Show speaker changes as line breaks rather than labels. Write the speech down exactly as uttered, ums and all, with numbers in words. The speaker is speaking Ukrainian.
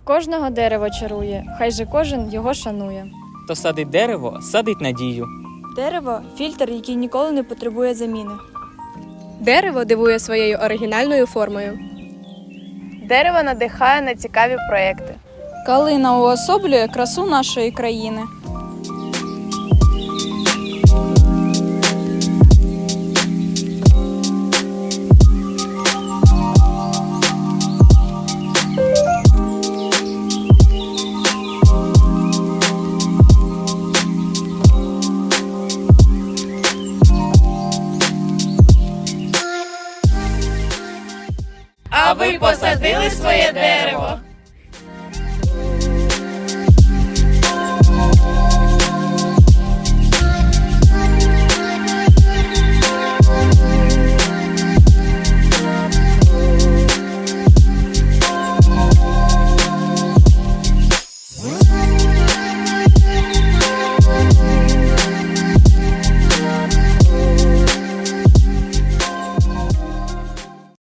Кожного дерево чарує, хай же кожен його шанує.
Хто садить дерево, садить надію.
Дерево – фільтр, який ніколи не потребує заміни.
Дерево дивує своєю оригінальною формою.
Дерево надихає на цікаві проекти.
Калина уособлює красу нашої країни.
А ви посадили своє дерево?